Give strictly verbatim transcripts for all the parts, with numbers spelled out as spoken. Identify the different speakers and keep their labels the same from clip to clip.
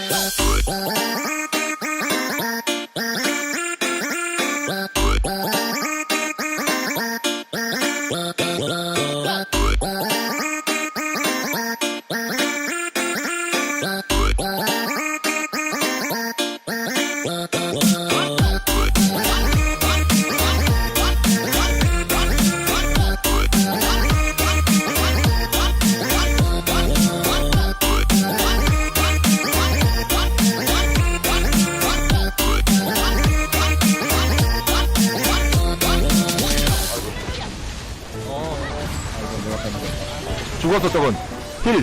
Speaker 1: 죽었어 저건. 힐.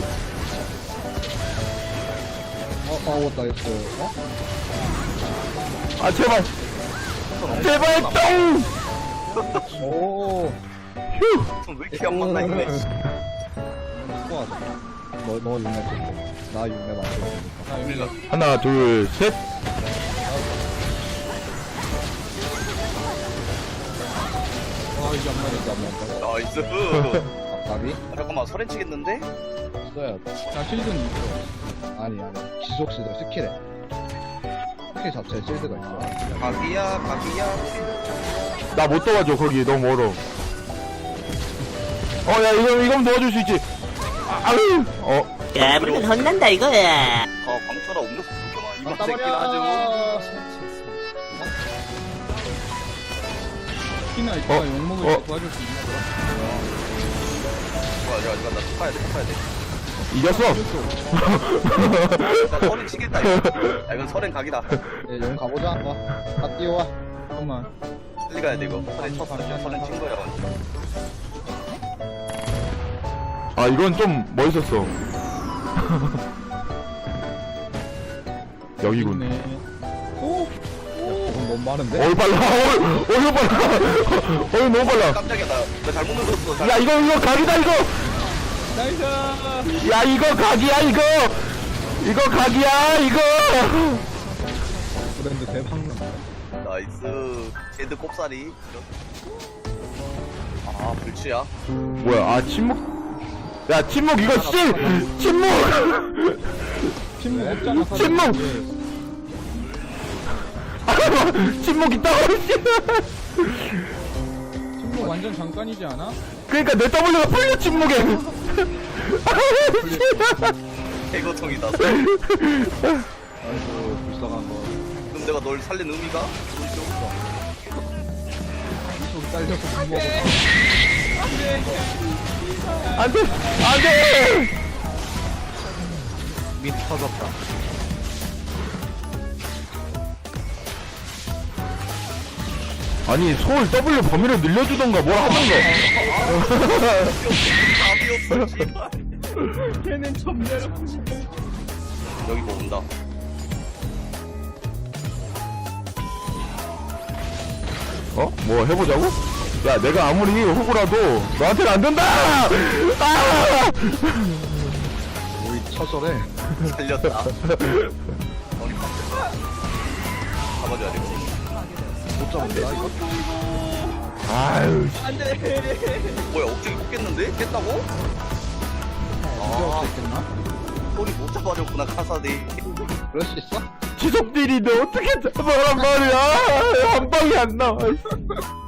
Speaker 2: 어, 어, 나이스. 어?
Speaker 1: 아 제발. 제발 똥.
Speaker 2: 오.
Speaker 1: 휴.
Speaker 3: 왜 이렇게 안 맞나 이거네.
Speaker 2: 스코어하자. 너, 너 육렙 줬고. 나 육렙 안 줬으니까.
Speaker 1: 하나 둘 셋.
Speaker 2: 아, 이게 안 맞았어, 안 맞았어.
Speaker 3: 나이스.
Speaker 2: 앞다리?
Speaker 3: 아, 잠깐만 설엔 치겠는데?
Speaker 2: 써야 돼. 자, 실드는 있어. 아니, 아니. 지속 실드, 스킬에. 스킬 자체에 실드가 있어.
Speaker 3: 각이야 각이야.
Speaker 1: 나 못 도와줘 거기 너무 멀어. 어 야 이거 이건 도와줄 수 있지. 아, 아유. 어.
Speaker 4: 야, 물론 혼난다 이거야.
Speaker 3: 어 광철아 음료수 그렇게 많이
Speaker 2: 맞다
Speaker 3: 마시긴 하죠.
Speaker 2: 특히나
Speaker 1: 어,
Speaker 2: 이따가 욕먹을
Speaker 1: 어.
Speaker 2: 때 도와줄 수 있나 보다.
Speaker 3: 좋아 좋아 좋아 나 툭파야 돼 툭파야 돼.
Speaker 1: 이겼어.
Speaker 3: 나 설엔 치겠다 이거. 야 이건 설엔 각이다.
Speaker 2: 예, 용 가보자, 한번. 다 뛰어와. 잠깐만.
Speaker 3: 빨리 가야 돼 이거. 설엔 쳤어. 설엔 친 거야.
Speaker 1: 아 이건 좀 멋있었어. 여기군.
Speaker 2: 오! 오! 이건 너무 많은데?
Speaker 1: 어이 빨라. 어이 어이 빨라. 어이 너무 빨라.
Speaker 3: 깜짝이야 나, 나 잘못 눌렀어. 잘...
Speaker 1: 야 이거 이거 각이다 이거.
Speaker 2: 나이스!
Speaker 1: 야 이거 각이야 이거. 이거 각이야 이거.
Speaker 2: 브랜드 대박 난다.
Speaker 3: 나이스. 제드 꼽사리. 아 불치야.
Speaker 1: 뭐야 아 침묵. 야 침묵 이거 씨. 침묵.
Speaker 2: 침묵 없잖아.
Speaker 1: 침묵! 침묵 있다고 씨.
Speaker 2: 침묵 완전 잠깐이지 않아?
Speaker 1: 그러니까 내 W가 풀려 침묵에.
Speaker 3: 개고통이다.
Speaker 2: 아이고, 불쌍한 거.
Speaker 3: 그럼 내가 널 살린 의미가?
Speaker 2: 속 딸려서 못 먹어.
Speaker 1: 안돼 안돼.
Speaker 2: 밑 터졌다.
Speaker 1: 아니 소울 W 범위를 늘려주던가 뭘 하던가.
Speaker 3: 답이었어 씨발.
Speaker 2: 걔는 전멸.
Speaker 3: 여기 뭐 온다.
Speaker 1: 어? 뭐 해보자고? 야 내가 아무리 호구라도 너한테는 안 된다. 아!
Speaker 2: 우리 처절해.
Speaker 3: 살렸다. 어리 잡아줘야 돼.
Speaker 2: 못 잡은데? 이거?
Speaker 1: 아유.
Speaker 3: 뭐야 억제기 꽂겠는데? 깼다고?
Speaker 2: 아,
Speaker 3: 아
Speaker 2: 있겠나?
Speaker 3: 소리 못 잡아줬구나 카사디.
Speaker 2: 그럴 수 있어?
Speaker 1: 지속 딜인데 어떻게 잡아란 말이야. 한 방이 안 나와.